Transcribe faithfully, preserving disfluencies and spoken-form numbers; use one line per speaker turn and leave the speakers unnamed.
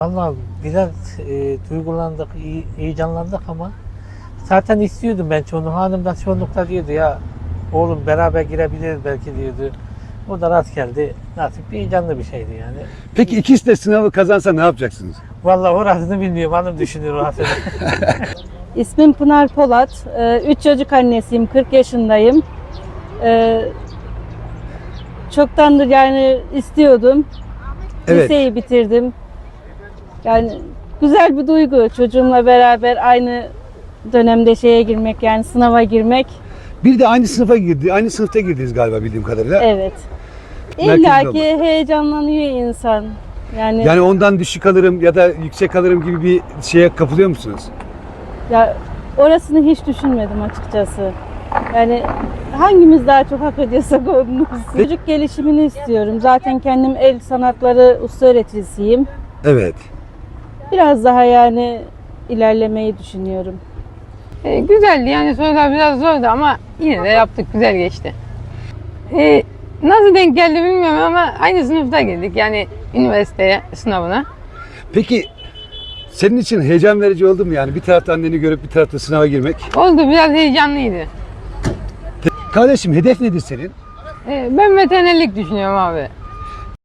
Vallahi biraz e, duygulandık, iyi- heyecanlandık ama zaten istiyordum ben çoğunluğu. Hanım da çoğunlukla diyordu ya oğlum beraber girebiliriz belki diyordu. O da rast geldi. Nasip bir heyecanlı bir şeydi yani.
Peki ikisi de sınavı kazansa ne yapacaksınız?
Vallahi orasını bilmiyorum. Hanım düşünüyor orasını.
İsmim Pınar Polat. Ee, Üç çocuk annesiyim. kırk yaşındayım. Ee, Çoktandır yani istiyordum.
Evet.
Liseyi bitirdim. Yani güzel bir duygu. Çocuğumla beraber aynı dönemde şeye girmek, yani sınava girmek.
Bir de aynı sınıfa girdi, aynı sınıfta girdiniz galiba bildiğim kadarıyla.
Evet.
Merkezde
İlla
olmak.
ki heyecanlanıyor insan. Yani,
Yani ondan düşük alırım ya da yüksek alırım gibi bir şeye kapılıyor musunuz?
ya orasını hiç düşünmedim açıkçası. Yani hangimiz daha çok hak ediyorsak onun. Çocuk gelişimini istiyorum. Zaten kendim el sanatları usta öğreticisiyim.
Evet.
Biraz daha yani ilerlemeyi düşünüyorum.
E, güzeldi yani, sorular biraz zordu ama yine de yaptık, güzel geçti. E, nasıl denk geldi bilmiyorum ama aynı sınıfta girdik yani üniversiteye, sınavına.
Peki senin için heyecan verici oldu mu yani bir tarafta anneni görüp bir tarafta sınava girmek?
Oldu, biraz heyecanlıydı.
Kardeşim hedef nedir senin?
E, ben veterinerlik düşünüyorum abi.